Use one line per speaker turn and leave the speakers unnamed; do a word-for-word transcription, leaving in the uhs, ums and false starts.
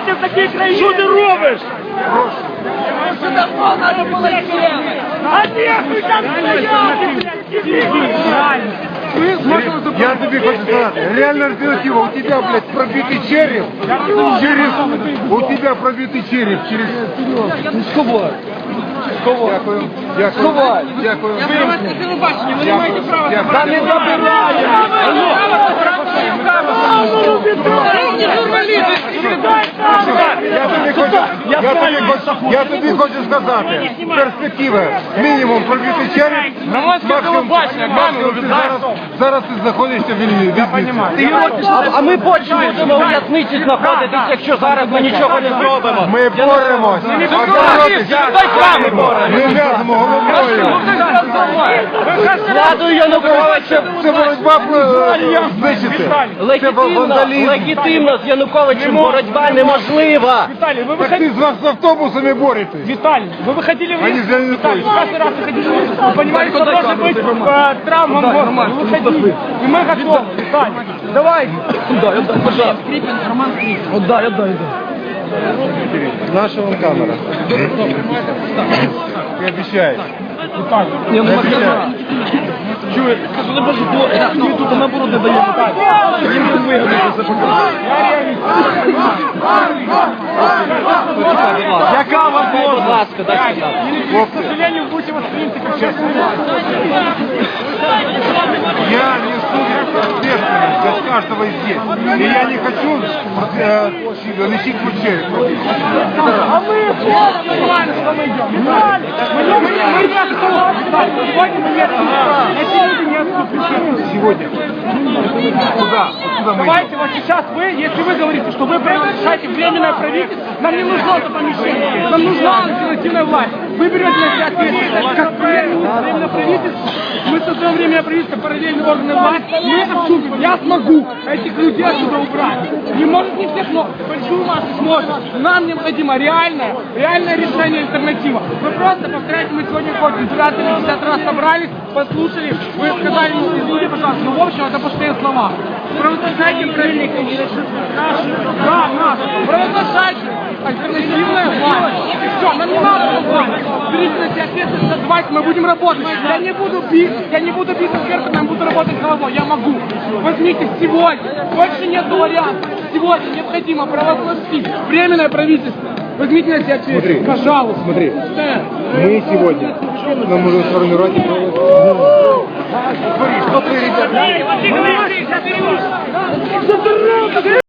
жити в такій країні. Що ти робиш?
Надо было сделать.
А нехуй там стояти,
Я тебе хочу сказать, реально альтернатива, у тебя, блядь, пробитый череп, через, у тебя пробитый череп через...
Сховай. Сховай.
Дякую, дякую,
Сховай.
дякую.
Я громадське телебачення, ви не маєте права
Дякую.
забрати.
Та не
забирайте!
Я тобі хочу, я тобі хочу, я тобі хочу сказати, перспектива, мінімум пробитий череп, максимум, максимум ти зараз, зараз ти знаходишся в вільні. Я
А, а ми потім будемо у в'язниці знаходитись, якщо зараз ми нічого не зробимо.
Ми боремось, а боротися ми в'язимо головою.
Владу Януковича
Це боротьба е, знищити. Це
легітимно,
вандалізм.
легітимно з Януковичем боротьба неможлива.
Виталий, вы
Так ти
выходили...
з вас з автобусами боретесь.
Виталий, вы выходили в
Они
рейс?
за Януковича.
Виталий, каждый раз выходили в рейс. Вы понимаете, что может быть э, травма мозга. Вы выходили. И мы готовы. Виталий, давай.
Отдай, отдай, пожалуйста. Роман Скрипин. Отдай, отдай, отдай.
Наша вон камера. Ти обіцяєш.
Виталий.
Я не можу. Чує, скажу, не боже, бо ми тут наоборот не даємо. Їм не вигодно це показати. Яка вам будь ласка, дай сюди.
К сожалению, будете восприняты как частный
Я несу ответственность за каждого здесь. И я не хочу э, носить вот череп.
А мы нормально, что мы идем. Виталий, мы не мы не отступим. Виталий, сегодня мы не отступим. Эти люди не отступят.
Сегодня. Куда? Куда мы
Давайте вот сейчас вы, если вы говорите, что вы приглашаете временное правительство, нам не нужно это помещение, нам нужна альтернативная власть. Вы берете на себя ответственность, как премьер-министр временное правительство, мы создаем временное правительство, параллельные органы власти, мы это вступим. Я смогу этих людей отсюда убрать. Не может не всех, но большую массу сможет. Нам необходимо реальное, реальное решение, альтернатива. Вы просто повторяете, мы сегодня хоть девятьдесят раз собрались, послушали, вы сказали, ну, извините, пожалуйста, ну, в общем, это пустые слова. Провозглашайте правильные кандидаты. Да, нас. Провозглашайте альтернативная власть. И все, нам не надо власть. Берите на себя ответственность, давайте мы будем работать. Я не буду бить, я не буду бить экспертом, я буду работать головой. Я могу. Возьмите сегодня. Больше нет вариантов. Сегодня необходимо провозгласить временное правительство. Возьмите на себя ответственность, пожалуйста.
Смотри,
Да.
мы сегодня нам нужно сформировать... Смотри, что ты, ребята...